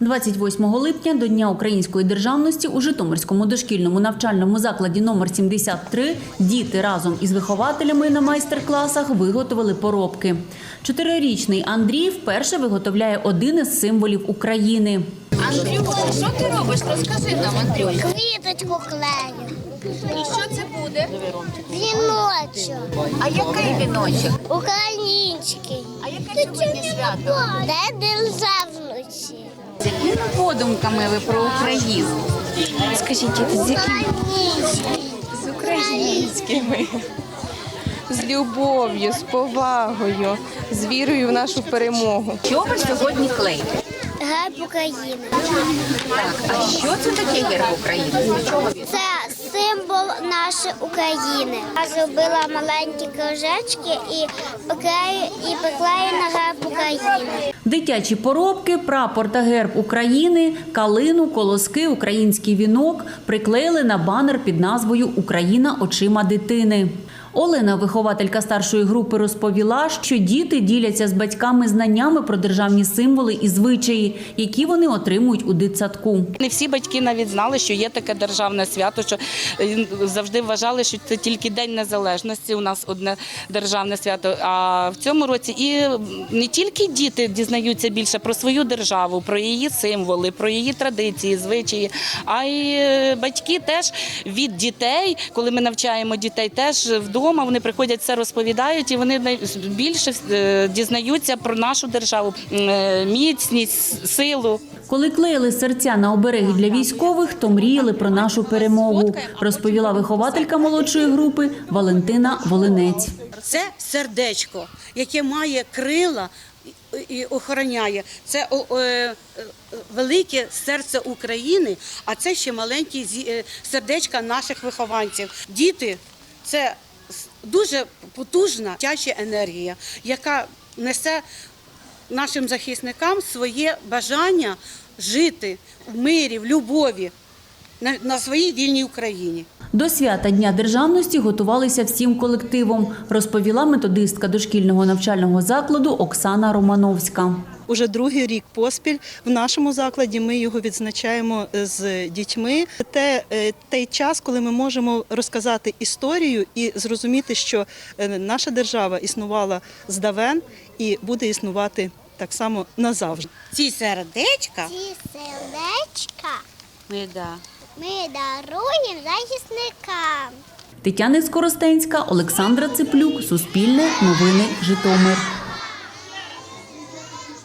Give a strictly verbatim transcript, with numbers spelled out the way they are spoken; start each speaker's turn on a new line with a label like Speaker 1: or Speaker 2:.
Speaker 1: двадцять восьмого липня до Дня української державності у Житомирському дошкільному навчальному закладі номер сімдесят три діти разом із вихователями на майстер-класах виготовили поробки. Чотирирічний Андрій вперше виготовляє один із символів України.
Speaker 2: Андрюха, що ти робиш? Розкажи нам, Андрюха.
Speaker 3: Квіточку клею.
Speaker 2: І що це буде?
Speaker 3: Віночок.
Speaker 2: А який віночок?
Speaker 3: Український.
Speaker 2: А яке сьогодні свято?
Speaker 3: Де державності?
Speaker 2: З якими подумками ви про Україну? Скажіть, з якими?
Speaker 3: Український.
Speaker 4: З українськими, з любов'ю, з повагою, з вірою в нашу перемогу.
Speaker 2: Що ви сьогодні клеїте?
Speaker 3: Герб України.
Speaker 2: Так, а що це таке герб України? З чого він?
Speaker 3: Це символ нашої України. Я зробила маленькі кружечки і поклею, і поклею на герб України.
Speaker 1: Дитячі поробки, прапор та герб України, калину, колоски, український вінок приклеїли на банер під назвою «Україна очима дитини». Олена, вихователька старшої групи, розповіла, що діти діляться з батьками знаннями про державні символи і звичаї, які вони отримують у дитсадку.
Speaker 4: Не всі батьки навіть знали, що є таке державне свято, що завжди вважали, що це тільки День Незалежності, у нас одне державне свято. А в цьому році і не тільки діти дізнаються більше про свою державу, про її символи, про її традиції, звичаї, а й батьки теж від дітей, коли ми навчаємо дітей, теж вдома вони приходять, все розповідають, і вони більше дізнаються про нашу державу, міцність, силу.
Speaker 1: Коли клеїли серця на обереги для військових, то мріяли про нашу перемогу, розповіла вихователька молодшої групи Валентина Волинець.
Speaker 5: Це сердечко, яке має крила і охороняє. Це велике серце України, а це ще маленькі сердечка наших вихованців. Діти – це дуже потужна дитяча енергія, яка несе нашим захисникам своє бажання жити в мирі, в любові на, на своїй вільній Україні.
Speaker 1: До свята Дня державності готувалися всім колективом, розповіла методистка дошкільного навчального закладу Оксана Романовська.
Speaker 6: Уже другий рік поспіль в нашому закладі ми його відзначаємо з дітьми. Це той час, коли ми можемо розказати історію і зрозуміти, що наша держава існувала здавен і буде існувати так само назавжди.
Speaker 5: Ці сердечка
Speaker 3: Ці сердечка
Speaker 5: ми, да.
Speaker 3: ми даруємо захисникам.
Speaker 1: Тетяна Скоростенська, Олександра Циплюк, Суспільне, Новини, Житомир.